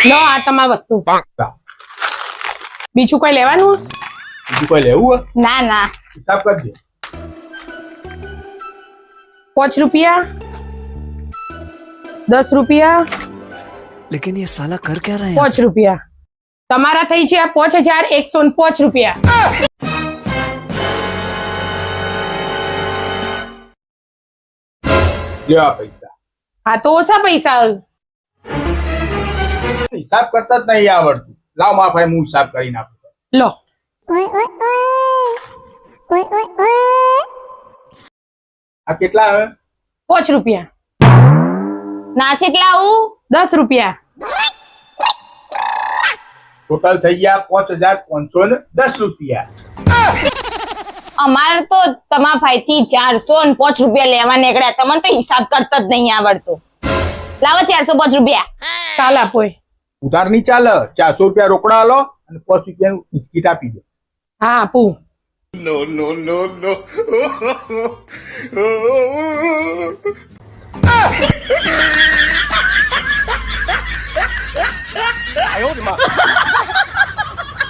લો આ તમારી વસ્તુ બીજું કોઈ લેવાનું બીજું કોઈ લેવું ના ના હિસાબ કરજે 5 રૂપિયા 10 રૂપિયા लेकिन ये साला कर क्या रहा है 5 રૂપિયા તમારા થઈ છે 5105 રૂપિયા લ્યો આ પૈસા હા તો ઓછા પૈસા હિસાબ કરતા જ નહીં આવડતું લાવ મારા ભાઈ હું હિસાબ કરીને આપું લો આ કેટલા હે 5 રૂપિયા ના કેટલા આવું 10 રૂપિયા ટોટલ થઈ ગયા 5510 રૂપિયા અમારે તો તમારા ભાઈ થી 405 રૂપિયા લેવા નીકળ્યા તમને તો હિસાબ કરતા જ નહીં આવડતો લાવો 405 રૂપિયા કાલ આપો એ. ઉધાર નહીં ચાલે 400 રૂપિયા રોકડા આલો અને 5 રૂપિયાનું બિસ્કીટ આપી દો હા આપું no